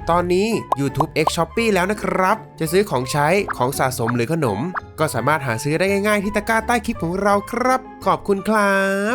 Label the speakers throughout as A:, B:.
A: ตอนนี้ YouTube X Shopee แล้วนะครับจะซื้อของใช้ของสะสมหรือขนมก็สามารถหาซื้อได้ง่ายๆที่ตะกร้าใต้คลิปของเราครับขอบคุณครับ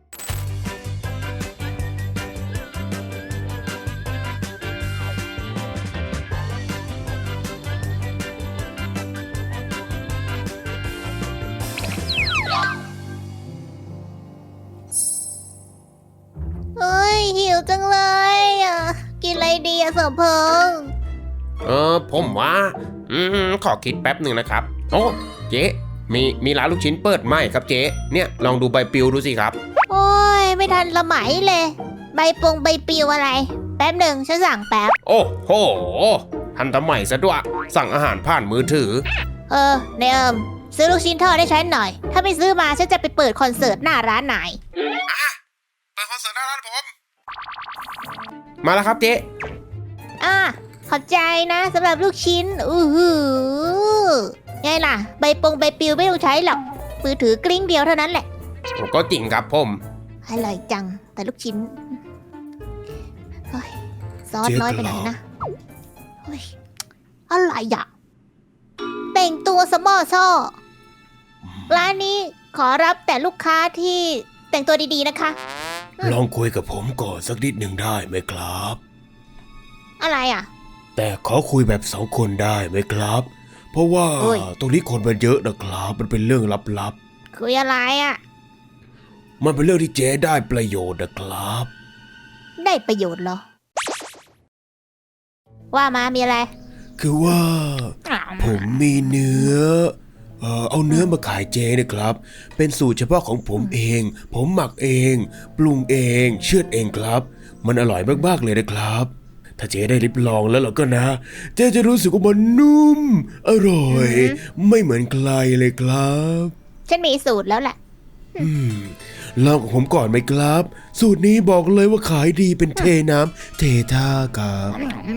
B: หิวจังเลยกินอะไรดีสมพงษ์
A: ผมว่าขอคิดแป๊บหนึ่งนะครับโอ้เจ๊มีร้านลูกชิ้นเปิดใหม่ครับเจ๊เนี่ยลองดูใบปลิวดูสิครับ
B: โอ้ยไม่ทันละไหมเลยใบปลิวอะไรแป๊บหนึ่งฉันสั่งแป๊บ
A: โอ้โหทันสมัยซะด้วยสั่งอาหารผ่านมือถือ
B: เนมซื้อลูกชิ้นทอดให้ฉันหน่อยถ้าไม่ซื้อมาฉันจะไปเปิดคอนเสิร์ตหน้าร้านไหน
A: เปิดคอนเสิร์ตหน้าร้านผมมาแล้วครับเจ๊
B: ขอบใจนะสำหรับลูกชิ้นไงล่ะใบปลิวไม่ต้องใช้หรอกมือถือกลิ้งเดียวเท่านั้นแหละ
A: ก็จริงครับผม
B: อร่อยจังแต่ลูกชิ้นซอสน้อยไปหน่อยนะอะไรอ่ะแต่งตัวสมอซ่อร้านนี้ขอรับแต่ลูกค้าที่แต่งตัวดีๆนะคะ
C: ลองคุยกับผมก่อนสักนิดหนึ่งได้ไหมครับ
B: อะไรอ่ะ
C: แต่ขอคุยแบบ2 คนได้ไหมครับเพราะว่าตรงนี้คนมันเยอะนะครับมันเป็นเรื่องลับ
B: ๆคุยอะไรอ่ะ
C: มันเป็นเรื่องที่เจ๊ได้ประโยชน์นะครับ
B: ได้ประโยชน์เหรอว่ามามีอะไร
C: คือว่าผมมีเนื้อเอาเนื้อมาขายเจ๊นะครับเป็นสูตรเฉพาะของผมเองผมหมักเองปรุงเองเชือดเองครับมันอร่อยมากๆเลยนะครับถ้าเจ๊ได้ลิ้มลองแล้วก็นะเจ๊จะรู้สึกว่ามันนุ่มอร่อยไม่เหมือนใครเลยครับ
B: ฉันมีสูตรแล้วแหละ
C: ลองกับผมก่อนไหมครับสูตรนี้บอกเลยว่าขายดีเป็นเทน้ำเทท่าครับ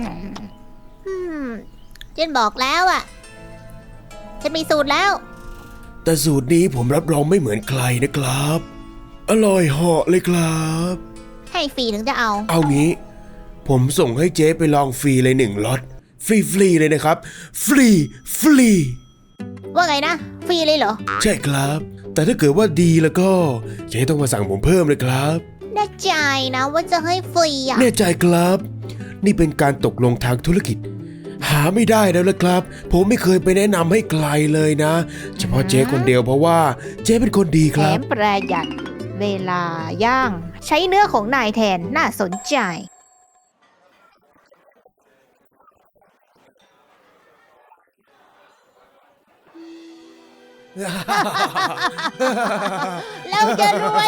B: ฉันบอกแล้วฉันมีสูตรแล้ว
C: แต่สูตรนี้ผมรับรองไม่เหมือนใครนะครับอร่อยเหาะเลยครับ
B: ให้ฟรีถึงจะเอา
C: งี้ผมส่งให้เจ๊ไปลองฟรีเลย1 ล็อตฟรีเลยนะครับฟรี
B: ว่าไงนะฟรีเลยเหรอ
C: ใช่ครับแต่ถ้าเกิดว่าดีแล้วก็เจ๊ต้องมาสั่งผมเพิ่มเลยครับ
B: แน่ใจนะว่าจะให้ฟรี
C: แน่ใจครับนี่เป็นการตกลงทางธุรกิจหาไม่ได้แล้วนะครับผมไม่เคยไปแนะนำให้ใครเลยนะเฉพาะเจ๊คนเดียวเพราะว่าเจ๊เป็นคนดีครับ
B: แถมประหยัดเวลาย่างใช้เนื้อของนายแทนน่าสนใจเราจะรวย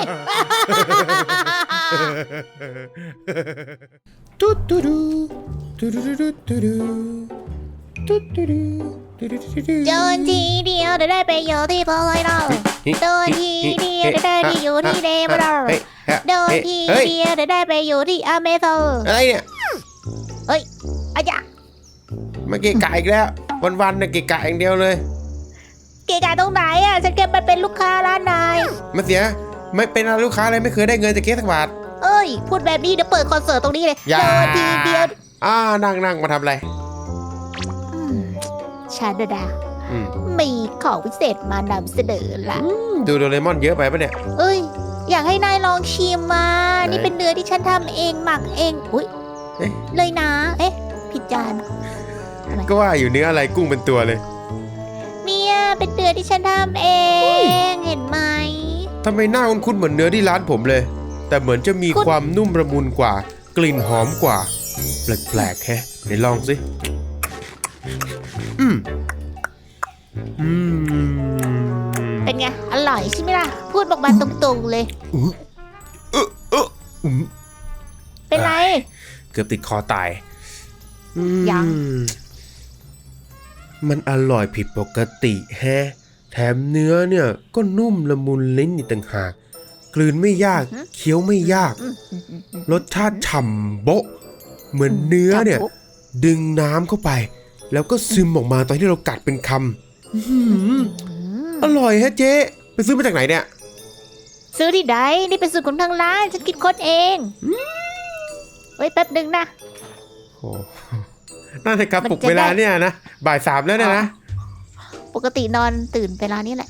A: ตุ๊ด
B: โดนทีเดียวได้ไปอยู่ที่พอยเราโดนทีเดียวได้ไปอยู่ที่เดมเราโดนทีเดียวได้ไปอยู่ที่อเมซอน
A: อะไรเนี่ย
B: อาจารย์
A: มาเกะกะอีกแล้ววันๆเนี่ยเกะกะอย่างเดียวเลย
B: เกะกะตรงไหนฉันแค่ไปเป็นลูกค้าร้านนาย
A: มาเสียไม่เป็นลูกค้าเลยไม่เคยได้เงินจากเกสักบาท
B: พูดแบบนี้เดี๋ยวเปิดคอนเสิร์ตตรงนี้เลยโดนทีเดียว
A: นั่งมาทำอะไร
B: ชาดามีของพิเศษมานำเสนอละ
A: ดูโดเรมอนเยอะไปปะเนี่ย
B: อยากให้นายลองชิมมานี่เป็นเนื้อที่ฉันทำเองหมักเองเลยนะผิดจาน
A: ก็ว่าอยู่เนื้ออะไรกุ้งเป็นตัวเลย
B: เนี่ยเป็นเนื้อที่ฉันทำเองเห็นไหม
A: ทำไมหน้าคุ้นๆเหมือนเนื้อที่ร้านผมเลยแต่เหมือนจะมีความนุ่มละมุนกว่ากลิ่นหอมกว่าแปลกๆแฮะไหนลองสิ
B: เป็นไงอร่อยใช่ไหมล่ะพูดบอกมาตรงๆเลยเป็นไร
A: เกือบติดคอตาย
B: ยัง
A: มันอร่อยผิดปกติแฮะแถมเนื้อเนี่ยก็นุ่มละมุนลิ้นอีกต่างหากกลืนไม่ยากเคี้ยวไม่ยากรสชาติฉ่ำโบ๊ะเหมือนเนื้อเนี่ยดึงน้ำเข้าไปแล้วก็ซึมออกมาตอนที่เรากัดเป็นคำอร่อยฮะเจ๊ไปซื้อมาจากไหนเนี่ย
B: ซื้อที่ใดนี่เป็นสูตรของทางร้านฉันคิดค้นเองไว้แป๊บนึงนะ
A: น่าจะกลับ
B: มัน
A: ปลุก
B: จะ
A: เวลา
B: ได้
A: เนี่ยนะบ่าย 3แล้วเนี่ยนะ
B: ปกตินอนตื่นเวลานี้แหละ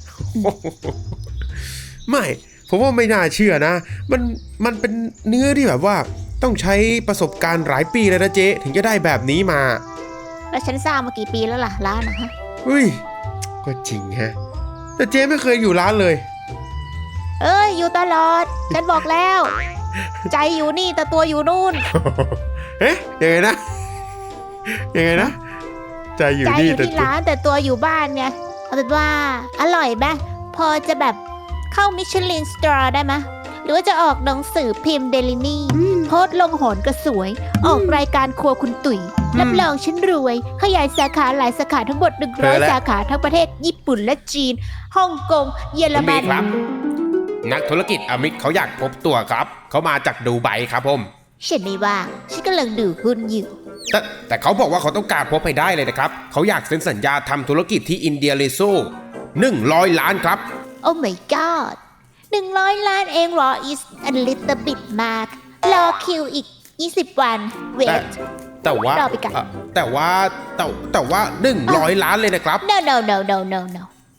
A: ไม่ผมว่าไม่น่าเชื่อนะ มันเป็นเนื้อที่แบบว่าต้องใช้ประสบการณ์หลายปีเลยนะเจ๊ถึงจะได้แบบนี้มา
B: แล้วฉันสร้างมากี่ปีแล้วล่ะร้านนะฮะ
A: อุ้ยก็จริงฮะแต่เจ๊ไม่เคยอยู่ร้านเลย
B: เอ้ยอยู่ตลอด ฉันบอกแล้ว ใจอยู่นี่แต่ตัวอยู่นู่น
A: เอ๊ะยังไงนะยังไงนะใจอยู่
B: ใจ
A: นี่
B: อยู่
A: แต่
B: ที่ร้านแต่ตัวอยู่บ้านไงเอาเป็นว่าอร่อยไหมพอจะแบบเข้ามิชลินสตาร์ได้ไหมหรือว่าจะออกหนังสือพิมพ์เดลินี่โพสต์ลงโหนกระสวย ออกรายการครัวคุณตุ๋ยรับรองฉันรวย ขยายสาขาหลายสาขาทั้งหมด100 สาขาทั้งประเทศญี่ปุ่นและจีนฮ่องกงเยอร
A: คุณ
B: มั
A: บี
B: น
A: ครับ นักธุรกิจอมิตเขาอยากพบตัวครับ เขามาจากดูไบครับผม
B: ฉันไม่ว่างฉันกำลังดูหุ้นอยู่
A: แต่เขาบอกว่าเขาต้องการพบให้ได้เลยนะครับ เขาอยากเซ็นสัญญาทำธุรกิจที่อินเดียเลโซ100 ล้านครับ
B: โอ้ my god 100 ล้านเองเหรอ is a little bit มากรอคิวอีก20 วัน wait
A: แต่ว่า
B: รอไปก่อน
A: แต่ว่า100 ล้านเลยนะครับ
B: no no no no no no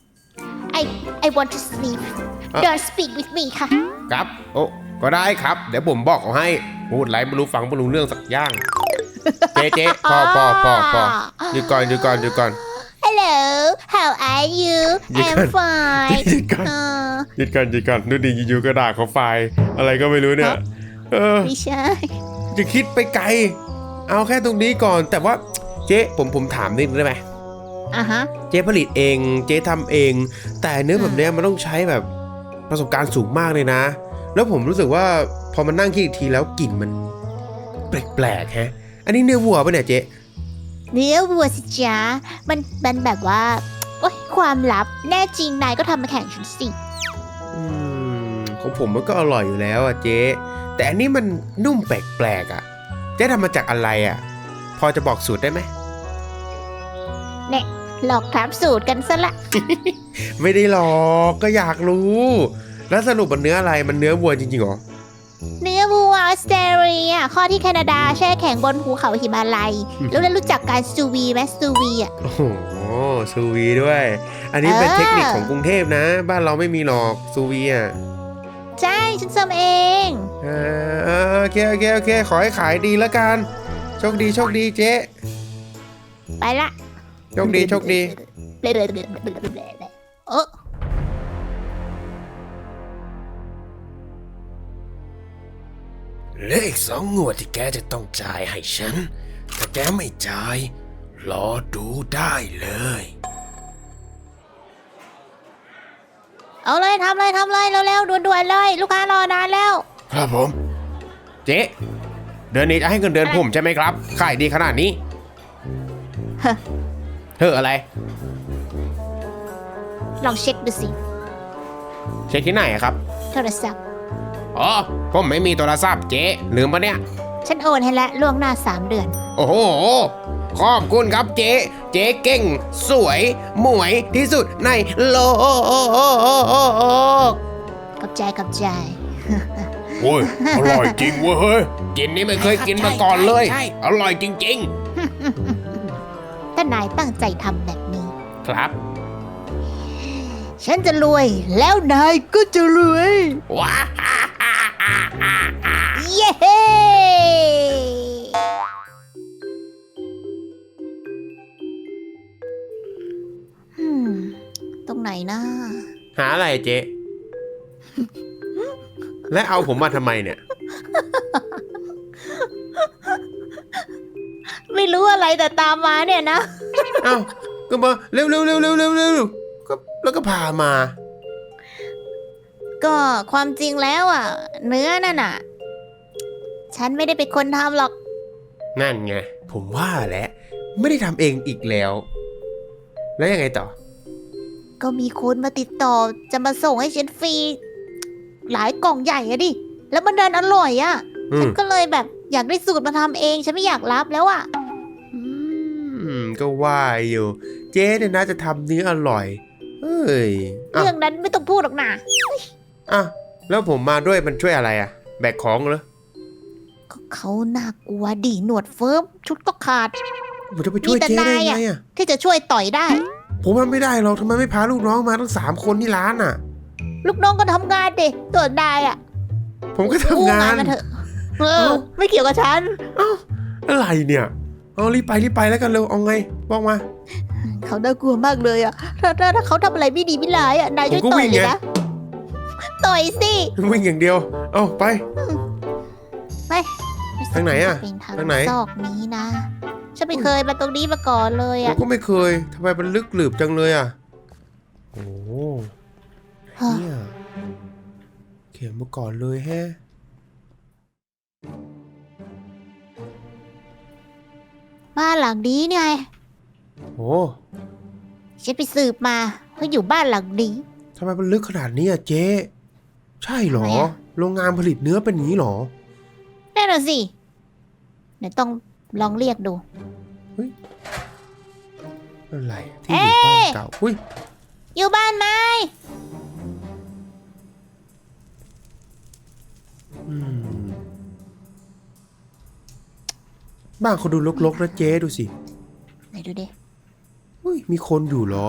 B: I want to sleep don't speak with me ค่ะ
A: ครับ โอ้ก็ได้ครับ เดี๋ยวผมบอกเขาให้ พูดไรไม่รู้ฟังไม่รู้เรื่องสักอย่าง เจ๊พอหยุดก่อน
B: Hello how are you
A: หยุด
B: I'm
A: ก่อน
B: fine
A: หยุดก่อน หยุดก่อนดูดิอยู่ๆก็ด่าเขาไฟล์อะไรก็ไม่รู้เนี่ย
B: ไม่ใช่
A: จะคิดไปไกล เอาแค่ตรงนี้ก่อน แต่ว่าเจ๊ผมถามนิดนึงได้ไหม
B: อ่ะฮะ
A: เจ๊ผลิตเอง เจ๊ทำเอง แต่เนื้อแบบเนี้ยมันต้องใช้แบบประสบการณ์สูงมากเลยนะ แล้วผมรู้สึกว่าพอมันนั่งคิดอีกทีแล้วกลิ่นมันแปลกๆฮะ อันนี้เนื้อวัวปะเนี่ยเจ๊
B: เนื้อวัวสิจ๊ะมันแบบว่าโอ๊ยความลับแน่จริงนายก็ทำมาแข่งฉันสิ
A: ของผมมันก็อร่อยอยู่แล้วอ่ะเจ๊แต่อันนี้มันนุ่มแปลกๆอ่ะเจ๊ทำมาจากอะไรอ่ะ พอจะบอกสูตรได้ไหม
B: เนี่ยหลอกถามสูตรกันซะละ
A: ไม่ได้หรอกก็อยากรู้ แล้วสรุปมันเนื้ออะไรมันเนื้อวัวจริงๆเหรอ
B: เนื้อวัวออสเตรเลียข้อที่แคนาดาแช่แข็งบนภูเขาหิมาลัยแล้วได้รู้จักการซูวีไหมซูวีอ่ะ
A: โอ้โหซูวีด้วย อันนี้เป็นเทคนิคของกรุงเทพนะ บ้านเราไม่มีหรอกซูวีอ่ะ
B: ใช่ฉันทำเอง
A: โอเคขอให้ขายดีแล้วกันโชคดีเจ๊
B: ไปละ
A: โชคดี
B: เออ
C: เหลืออีก2 งวดที่แกจะต้องจ่ายให้ฉัน ถ้าแกไม่จ่าย รอดูได้เลย
B: เอาเลยทำเลยเร็วๆด่วนๆเลย ลูกค้ารอนานแล้ว
C: ครับผม
A: เจ๊เดือนนี้จะให้เงินเดือนผมใช่ไหมครับขายดีขนาดนี้
B: ฮะ
A: เฮ้ออะไร
B: ลองเช็คดูสิ
A: เช็คที่ไหนอะครับ
B: โทรศัพท์
A: อ๋อผมไม่มีโทรศัพท์เจ๊ลืมปะเนี่ย
B: ฉันโอนให้แล้วล่วงหน้า3 เดือน
A: โอ้โห ขอบคุณครับเจ๊เก่ง สวย หมวยที่สุดในโลก
B: กับใจ
C: โอ้ย อร่อยจริงเว้ยเฮ้ย
A: กินนี่ไม่เคยกินมาก่อนเลย อร่อยจริง
B: ถ้านายตั้งใจทำแบบนี้
A: ๆ ครับ
B: ฉันจะรวย แล้วนายก็จะรวย
A: ว้า
B: เย้ตรงไหนนะ
A: หาอะไรเจ๊ และเอาผมมาทำไมเนี่ย
B: ไม่รู้อะไรแต่ตามมาเนี่ยนะ
A: เอ้าก็มาเร็วก็แล้วก็พามา
B: ก็ความจริงแล้วอ่ะ เนื้อนั่นอ่ะ ฉันไม่ได้เป็นคนทำหรอก
A: นั่นไง ผมว่าแหละ ไม่ได้ทำเองอีกแล้ว แล้วยังไงต่อ
B: ก็มีคนมาติดต่อจะมาส่งให้ฉันฟรี หลายกล่องใหญ่อะดิ แล้วมันดันอร่อยอะ
A: อื
B: ฉั
A: ม
B: นก็เลยแบบอยากได้สูตรมาทำเอง ฉันไม่อยากรับแล้วอะ
A: ก็ว่าอยู่ เจ๊เนี่ยนะจะทำเนื้ออร่อย เอ้ยอ่ะ
B: เรื่องนั้นไม่ต้องพูดหรอกนะ
A: อ่ะแล้วผมมาด้วยมันช่วยอะไรอ่ะ แบกของเหรอ
B: ก็เขาน่ากลัวดิหนวดเฟิร์มชุดก็ขาด
A: ผมจะไปช่วยเจ๊ได้ไงอ่ะ
B: ที่จะช่วยต่อยได้
A: ผมทำไม่ได้หรอกทำไมไม่พาลูกน้องมาทั้ง3 คนที่ร้านอ่ะ
B: ลูกน้องก็ทำงานดิตัวนายอ่ะ
A: ผมก็ทำงาน
B: มาเถอะไม่เกี่ยวกับฉัน
A: อะไรเนี่ยเอารีบไปแล้วกันเร็วเอาไงบอกมา
B: เขาน่ากลัวมากเลยอ่ะถ้าเขาทำอะไรไม่ดีไม่ร้ายอ่ะนายช่วย
A: ผมก็
B: ต่
A: วิ่
B: อย
A: ง
B: เลย
A: ไง
B: นะต่อยสิ
A: วิ่งอย่างเดียวเอาไป
B: ไป
A: ทางไหนอะ
B: เป็นทาง
A: ทางไหน
B: ซอกนี้นะฉันไม่เคยมาตรงนี้มาก่อนเลย
A: ผม
B: อ่ะ
A: ก็ไม่เคยทำไมมันลึกหลืบจังเลยอ่ะโอ้เนี่ยเขียนมาก่อนเลยแฮะ
B: บ้านหลังนี้ไง
A: โอ้
B: ฉันไปสืบมาเขาอยู่บ้านหลังนี้
A: ทำไมมันลึกขนาดนี้อ่ะเจ๊ใช่เหรอ
B: ทำไมอะ
A: โรงงานผลิตเนื้อเป็นอย่างนี้เหรอ
B: นั่นน่ะสิเดี๋ยวต้องลองเรียกดู
A: อะไรที่อยู่บ้านเก่าอุ้ย
B: อยู่บ้านไหม
A: อืมบ้านเขาดูรกๆนะเจ๊ดูสิ
B: ไหนดูดิ
A: อุ้ยมีคนอยู่เหรอ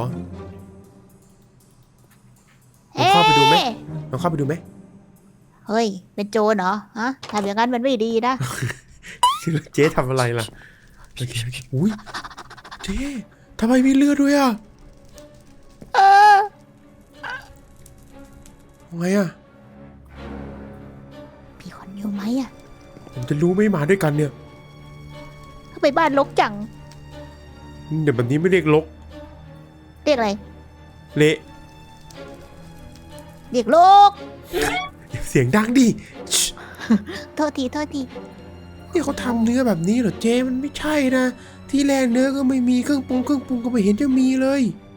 A: ลองเข้าไปดูไหม
B: เอ๊ะ
A: ลองเข้าไปดูไหม
B: เฮ้ย เป็นโจรเหรอฮะทำอย่างนั้นมันไม่ดีนะ
A: เจ๊ทำอะไรล่ะโอเคอุ้ยเจ๊ทำไมมีเลือดด้วยอ่ะ
B: เออ
A: ไงอ่ะ
B: พี่คนอยู่ไหมอ่ะ
A: ผมจะรู้ไม่มาด้วยกันเนี่ย
B: ทำไมบ้านรกจัง
A: เดี๋ยวแบบนี้ไม่เรียกลก
B: เรียกอะไร
A: เละ
B: เรียกโลก
A: เสียงดังดิชิ
B: โทษที
A: นี่เขาทำเนื้อแบบนี้เหรอเจ๊มันไม่ใช่นะ ที่แรกเนื้อก็ไม่มีเครื่องปรุงก็ไม่เห็นจะมีเลย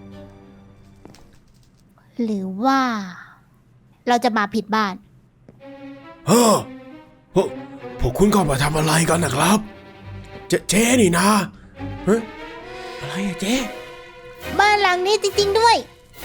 B: หรือว่า เราจะมาผิดบ้าน
C: เฮ้อพวกคุณเข้ามาทำอะไรกันนะครับ เจ๊นี่นะ
A: เฮ้ยอะไรอะเจ๊
B: บ้านหลังนี้จริงๆด้วย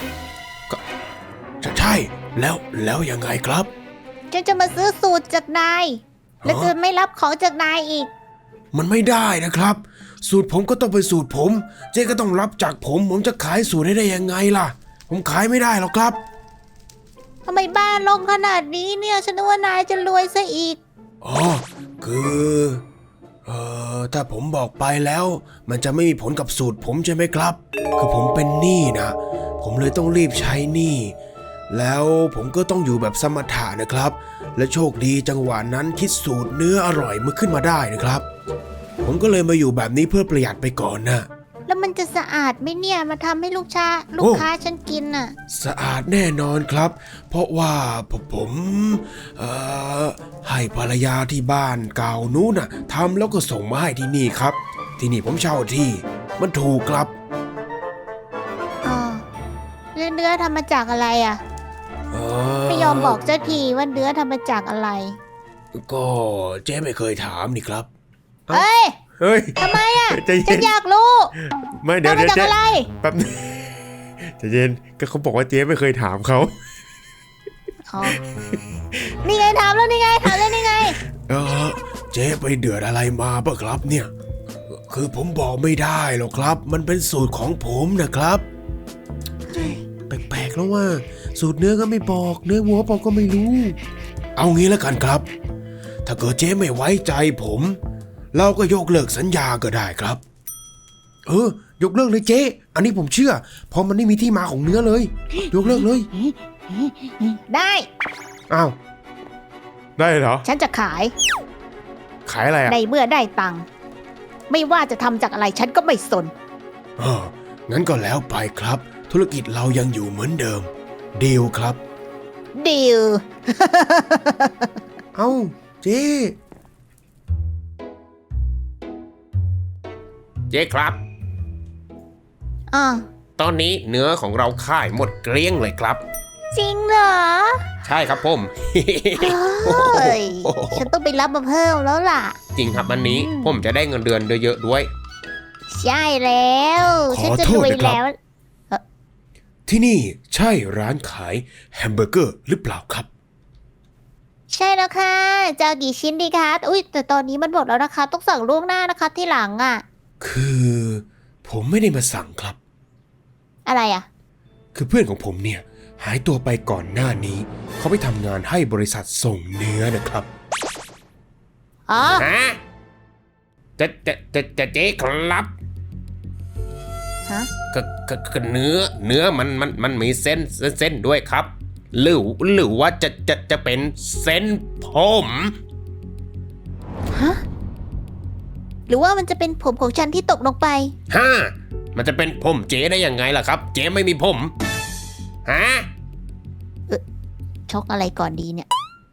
C: ใช่แล้วยังไงครับ
B: ฉันจะมาซื้อสูตรจากนาย และจะไม่รับของจากนายอีก
C: มันไม่ได้นะครับ สูตรผมก็ต้องเป็นสูตรผม เจ๊ก็ต้องรับจากผมจะขายสูตรให้ได้ยังไงล่ะ ผมขายไม่ได้หรอกครับ
B: ทำไมบ้านลงขนาดนี้เนี่ยฉันนึกว่านายจะรวยซะอีก
C: อ๋อคือถ้าผมบอกไปแล้ว มันจะไม่มีผลกับสูตรผมใช่ไหมครับ คือผมเป็นหนี้นะ ผมเลยต้องรีบใช้หนี้แล้วผมก็ต้องอยู่แบบสมถะนะครับ และโชคดีจังหวะนั้นคิดสูตรเนื้ออร่อยมาขึ้นมาได้นะครับ ผมก็เลยมาอยู่แบบนี้เพื่อประหยัดไปก่อนนะ
B: แล้วมันจะสะอาดไหมเนี่ยมาทำให้ลูกค้าฉันกินน่ะ
C: สะอาดแน่นอนครับ เพราะว่าผมให้ภรรยาที่บ้านเก่านู้นน่ะทำแล้วก็ส่งมาให้ที่นี่ครับ ที่นี่ผมเช่าที่มันถูกครับ
B: อ๋อแล้วเนื้อทำมาจากอะไรอ่ะ
C: เอ
B: ไม่ยอมบอกเจ้าทีว่าเนื้อทำมาจากอะไร
C: ก็เจ๊ไม่เคยถามนี่ครับ
B: เฮ้ย
A: เฮ้ย
B: ทำไมอ่ะ
A: ใจ
B: ฉั
A: เย็
B: น
A: น
B: อยากรู้
A: ไม่เดี๋ยว
B: ทำมาจาก
A: เจ๊
B: อะไร
A: แป๊บนึงใจเย็นก็เขาบอกว่าเจ๊ไม่เคยถามเขา
B: อ๋อนี่ไงถามแล้วนี่ไง
C: เจ๊ไปเดือดอะไรมาปะครับเนี่ย คือผมบอกไม่ได้หรอกครับ มันเป็นสูตรของผมนะครับ
A: แปลกๆแล้วว่า สูตรเนื้อก็ไม่บอก เนื้อวัวบอกก็ไม่รู้
C: เอางี้แล้วกันครับ ถ้าเกิดเจ๊ไม่ไว้ใจผม เราก็ยกเลิกสัญญาก็ได้ครับ
A: ยกเลิกเลยเจ๊อันนี้ผมเชื่อ เพราะมันไม่มีที่มาของเนื้อเลย ยกเลิกเลย
B: ได้
A: อ้าวได้เหรอ
B: ฉันจะขาย
A: ขายอะไรอ่ะ
B: ในเมื่อได้ตังค์ไม่ว่าจะทำจากอะไรฉันก็ไม่สน
C: งั้นก็แล้วไปครับ ธุรกิจเรายังอยู่เหมือนเดิมดีลครับ
B: ดีล
A: เอ้าเจ๊
D: เจ๊ครับ
B: อ่ะ
D: ตอนนี้เนื้อของเราค่ายหมดเกลี้ยงเลยครับ
B: จริงเหรอ
D: ใช่ครับผม
B: เฮ้ย ฉันต้องไปรับมาเพิ่มแล้วล่ะ
D: จริงครับวันนี้ผมจะได้เงินเดือนเยอะๆด้วย
B: ใช่แล้ว
C: ขอ
B: ฉันจะ
C: โท
B: ร
C: ษ
B: วย
C: นะครับ
B: แล้ว
C: ที่นี่ใช่ร้านขายแฮมเบอร์เกอร์หรือเปล่าครับ
B: ใช่แล้วค่ะจะเอากี่ชิ้นดีคะอุ้ยแต่ตอนนี้มันหมดแล้วนะคะ ต้องสั่งล่วงหน้านะคะที่หลังอ่ะ
C: คือผมไม่ได้มาสั่งครับ
B: อะไรอ่ะ
C: คือเพื่อนของผมเนี่ยหายตัวไปก่อนหน้านี้ เขาไปทำงานให้บริษัทส่งเนื้อนะครับ
B: อ๋อ
D: ฮะจะเจ๊ครับ
B: ฮะ
D: ก็เนื้อมันมีเส้นด้วยครับ หรือว่าจะเป็นเส้นผม
B: ฮะ หรือว่ามันจะเป็นผมของฉันที่ตกลงไป
D: ฮะมันจะเป็นผมเจ๊ได้ยังไงล่ะครับ เจ๊ไม่มีผมฮะ
B: ชกอะไรก่อนดีเนี่ย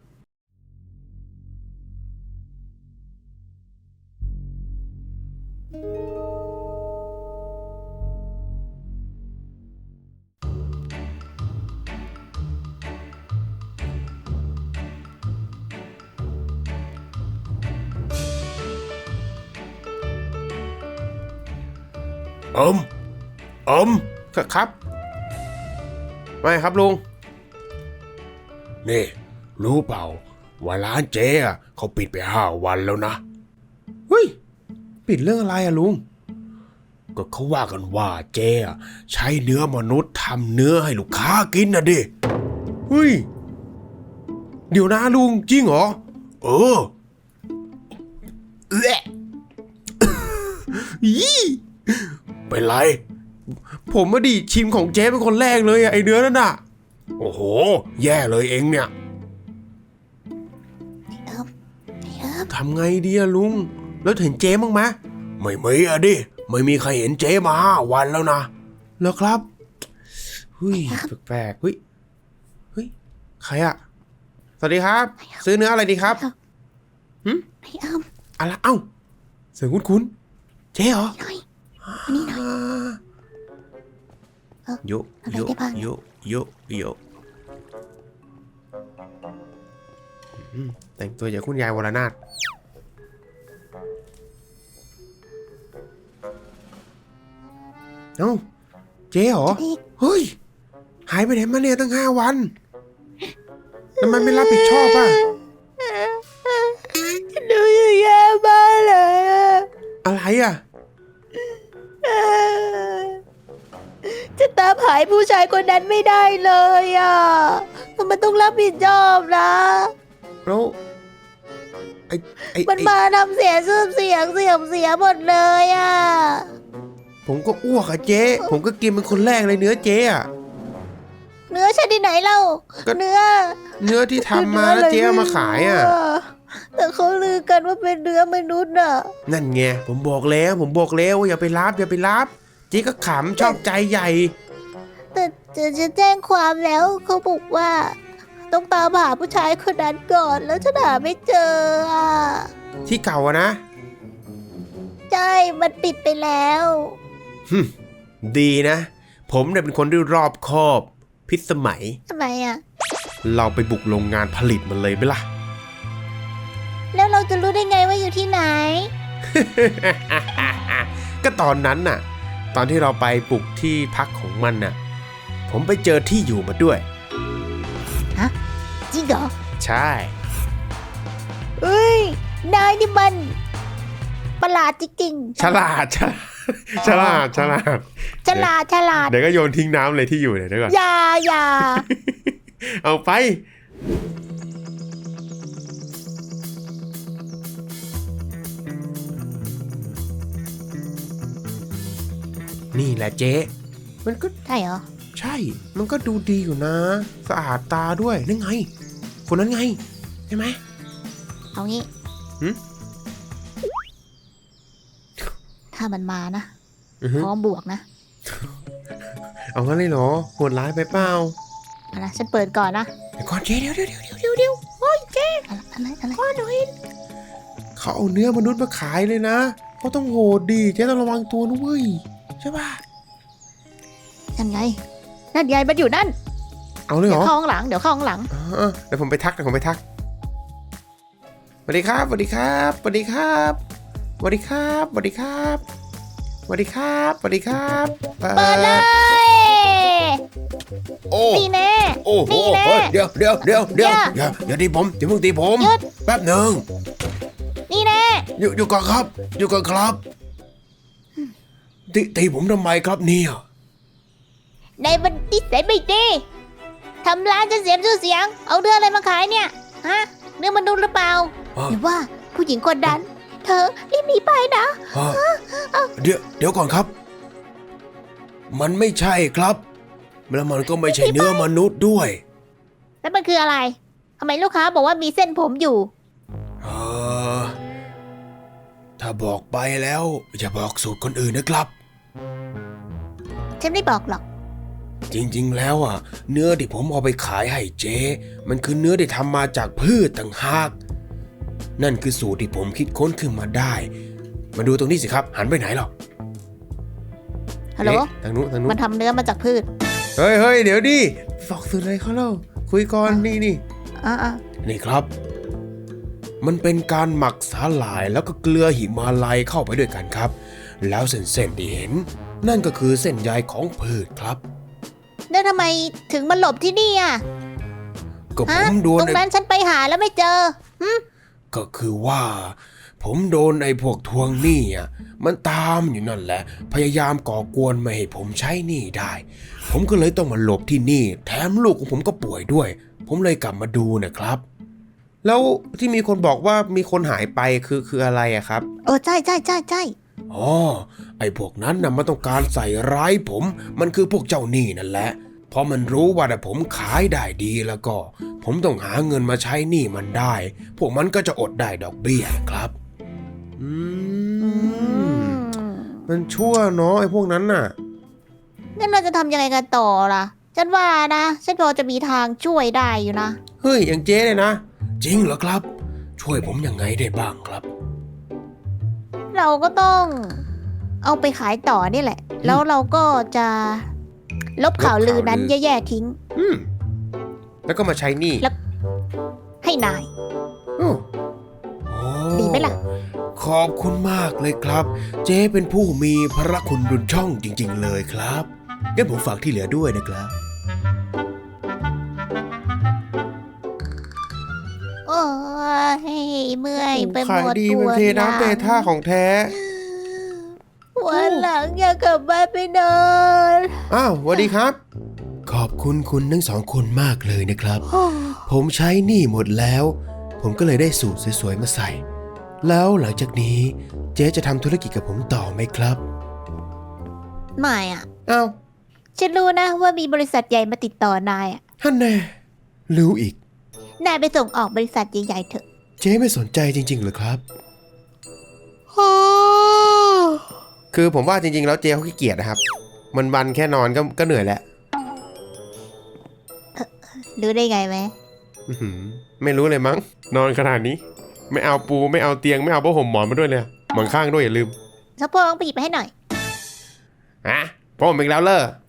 C: อม
A: ครับไม่ครับลุง
C: นี่รู้เปล่าว่าร้านเจ๊อะเขาปิดไป5 วันแล้วนะ
A: เฮ้ย ปิดเรื่องอะไรอะลุง
C: ก็เขาว่ากันว่าเจ๊อะใช้เนื้อมนุษย์ทำเนื้อให้ลูกค้ากินนะดิ
A: เฮ้ย เดี๋ยวนะลุงจริงเหรอ
C: เออ
A: ยี่
C: เป็นไร
A: ผมมาดิชิมของเจ๊เป็นคนแรกเลยอะไอเนื้อนั่นน่ะ
C: โอ้โห แย่เลยเองเนี่ย
A: ทำไงดีอะลุง แล้วเห็นเจ๊บ้างไหม
C: ไม่มีอะดิ ไม่มีใครเห็นเจ๊มา5 วันแล้วนะ
A: แล้วครับเฮ้ยแปลกๆเฮ้ย เฮ้ย ใครอะสวัสดีครับ ซื้อเนื้ออะไรดีครับ
B: ไอ้อ้ํ
A: อะไรเอ้าเสียงคุ้นๆเจ๊เหรอ
B: หน่อยอันนี้หน่อย
A: โย
B: อะไร
A: โย
B: ได้บ้าง
A: โยโยโยแต่งตัวอย่างคุณยายวรนาถเอ้าเจ๊เหรอ
B: อีก
A: เฮ้ย หายไปไหนมาเนี่ยตั้ง5 วันทำไมไม่รับผิดชอบอ่ะ
B: ดูอยู่แย่บ้ากเลยอะ
A: อะไรอ่ะ
B: จะตามหายผู้ชายคนนั้นไม่ได้เลยอ่ะทำไมต้องรับผิดชอบนะ
A: แล้วไอ้
B: มันมาทำเสียชื่อเสียงเสื่อมเสียหมดเลยอ่ะ
A: ผมก็อ้วกอะเจ๊ ผมก็กินเป็นคนแรกเลยเนื้อเจ๊อะ
B: เนื้อชนิดไหนเล่า
A: ก็
B: เนื้อ
A: เนื้อที่ทำมาแล้วเจ๊เอามาขายอ่ะ
B: แต่เขาลือกันว่าเป็นเนื้อมนุษย์อ่ะ
A: นั่นไงผมบอกแล้วว่าอย่าไปรับอย่าไปรับเจ๊ก็ขำชอบใจใหญ่
B: แต่จะแจ้งความแล้วเขาบอกว่า ต้องตามหาผู้ชายคนนั้นก่อนแล้วฉันหาไม่เจออ่ะ
A: ที่เก่าอะนะ
B: ใช่มันปิดไปแล้ว
A: ดีนะ ผมเนี่ยเป็นคนที่รอบคอบ พิสมัย
B: ทำไมอ่ะ
A: เราไปบุกโรงงานผลิตมันเลยไหมล่ะ
B: แล้วเราจะรู้ได้ไงว่าอยู่ที่ไหน
A: ก็ตอนนั้นน่ะ ตอนที่เราไปบุกที่พักของมันน่ะ ผมไปเจอที่อยู่มาด้วย
B: จริงเหรอ
A: ใช่
B: เอ้ย นายนี่มัน ประหลาดจริงๆ
A: ฉลาด ฉลาด
B: ฉลาด
A: เดี๋ยวก็โยนทิ้งน้ำเลยที่อยู่เนี่ยเดี๋ยวก่อน
B: อย่า
A: เอาไป นี่แหละเจ๊มันก็
B: ใช่เหรอ
A: ใช่ มันก็ดูดีอยู่นะ สะอาดตาด้วยนั่นไง คนนั้นไง ใช่ไหม
B: เอางี้
A: หึ
B: ถ้ามันมานะ
A: อือฮึ
B: พร้อมบวกนะ
A: เอางั้นเลยเหรอโหดร้ายไปเปล่า
B: เอานะฉันเปิดก่อนนะ
A: เดี๋ยวก่อนเจ๊เดี๋ยวโอ้ยเจ๊
B: อะไร
A: เขาเอาเนื้อมนุษย์มาขายเลยนะเขาต้องโหดดีเจ๊ต้องระวังตัวนะเว้ยใช่ป่ะ
B: นั่นไงมันอยู่นั่น
A: เอาเลยเห
B: เดี๋
A: ร
B: ยว
A: อ
B: เข้าห้องหลัง
A: เดี๋ยวผมไปทักสวัสดีครับสวัสดีครับสวัสดีครับสวัสดีครับสวัสดีครับสวัสดีครับสวัสดีครับ
B: เปิดเลย
C: โอ้
B: นี่แน่
C: โอ้โห
B: นี่แน่
C: เฮ้ยเดี๋ยว
B: อย่า
C: อย่าตีผมอย่าเพิ่งตีผม
B: หยุด
C: แป๊บหนึ่ง
B: นี่แน่
C: อยู่ก่อนครับ อยู่ก่อนครับตีผมทำไมครับเนี่ย
B: ในบันทิสัยไม่ดีทำร้านจะเสียชื่อเสียง เอาเนื้ออะไรมาขายเนี่ย ฮะ เนื้อมนุษย์หรือเปล่า
C: อ่ะ
B: หรือว่าผู้หญิงคนนั้น เธอรีบหนีไปนะ
C: เดี๋ยวก่อนครับ มันไม่ใช่ครับแล้วมันก็ไม่ใช่เนื้อมนุษย์ด้วย
B: แล้วมันคืออะไร ทำไมลูกค้าบอกว่ามีเส้นผมอยู่
C: เออถ้าบอกไปแล้วอย่าบอกสูตรคนอื่นนะครับ
B: ฉันไม่บอกหรอก
C: จริงๆแล้วอ่ะ เนื้อที่ผมเอาไปขายให้เจ๊มันคือเนื้อที่ทำมาจากพืชต่างหากนั่นคือสูตรที่ผมคิดค้นขึ้นมาได้ มาดูตรงนี้สิครับ หันไปไหนหรอ
B: ฮัลโหล
A: เอ๊ะทางนู้นทางนู้
B: มัน นทำเนื้อมาจากพืช
A: เฮ้ยเดี๋ยวดิบอกสื่ออะไรเขาเล่าคุยก่อนนี่
B: อ่า
C: นี่ครับ มันเป็นการหมักสาหร่ายแล้วก็เกลือหิมาลัยเข้าไปด้วยกันครับ แล้วเส้นที่เห็น นั่นก็คือเส้นใยของพืชครับ
B: แล้วทำไมถึงมาหลบที่นี่อ่ะ
C: ก็ผ
B: ฮะ
C: มโดน
B: ตรงนั้นฉันไปหาแล้วไม่เจอ
C: ก็คือว่า ผมโดนไอ้พวกทวงหนี้อ่ะมันตามอยู่นั่นแหละ พยายามก่อกวนไม่ให้ผมใช้หนี้ได้ ผมก็เลยต้องมาหลบที่นี่ แถมลูกของผมก็ป่วยด้วย ผมเลยกลับมาดูนะครับ
A: แล้วที่มีคนบอกว่ามีคนหายไปคืออะไรอะครับ
B: ใช่
C: อ๋อ ไอ้พวกนั้นน่ะมันต้องการใส่ร้ายผม มันคือพวกเจ้าหนี้นั่นแหละ เพราะมันรู้ว่าถ้าผมขายได้ดีแล้วก็ ผมต้องหาเงินมาใช้หนี้มันได้ พวกมันก็จะอดได้ดอกเบี้ยครับ
A: อื
B: อื
A: ม
B: ม
A: มันชั่วเนาะไอ้พวกนั้นน่ะ
B: งั้นเราจะทำยังไงกันต่อล่ะ ฉันว่านะ ฉันพอจะมีทางช่วยได้อยู่นะ
A: เฮ้ยอย่างเจ๊เลยนะ
C: จริงเหรอครับ ช่วยผมยังไงได้บ้างครับ
B: เราก็ต้องเอาไปขายต่อนี่แหละ แล้วเราก็จะลบข่าวลือนั้นแย่ๆทิ้ง
A: อืมแล้วก็มาใช้หนี่
B: แล้ว ให้นาย
A: อ้าว
C: โอ้
B: ดีไหมล่ะ
C: ขอบคุณมากเลยครับ เจ๊เป็นผู้มีพระคุณดุจช่องจริง ๆ เลยครับงั้นผมฝากที่เหลือด้วยนะครับ
B: โอ้ยเมื่อยไปห
A: ขาย
B: มด
A: ดี
B: ตั
A: เหมือ
B: วน
A: เทน้ำเทท่าของแท้
B: วันหลังอยากกลับบ้านไปนอน
A: อ้าวสวัสดีครับ
C: ขอบคุณคุณทั้งสองคนมากเลยนะครับ ผมใช้หนี้หมดแล้ว ผมก็เลยได้สูตรสวยๆมาใส่ แล้วหลังจากนี้เจ๊จะทำธุรกิจกับผมต่อไหมครับ
B: ไม่อ่ะ
A: อ้าว
B: ฉันรู้นะว่ามีบริษัทใหญ่มาติดต่อนายอ่ะ
C: ท่านแน่รู้อีก
B: นายไปส่งออกบริษัทใหญ่ๆเถอะ
C: เจ๊ไม่สนใจจริงๆเหรอครับ
A: คือผมว่าจริงๆแล้วเจ๊เขาขี้เกียจนะครับ วันๆแค่นอนก็เหนื่อยแล้ว
B: รู้ได้ไงไหม
A: อื้อหือไม่รู้เลยมั้ง นอนขนาดนี้ ไม่เอาปูไม่เอาเตียงไม่เอาผ้าห่มหมอนมาด้วยเลยหมอนข้างด้วยอย่าลืม
B: สะโพกไปหยิบไปให้หน่อย
A: ฮะผ้าห่มอีกแล้วเลอ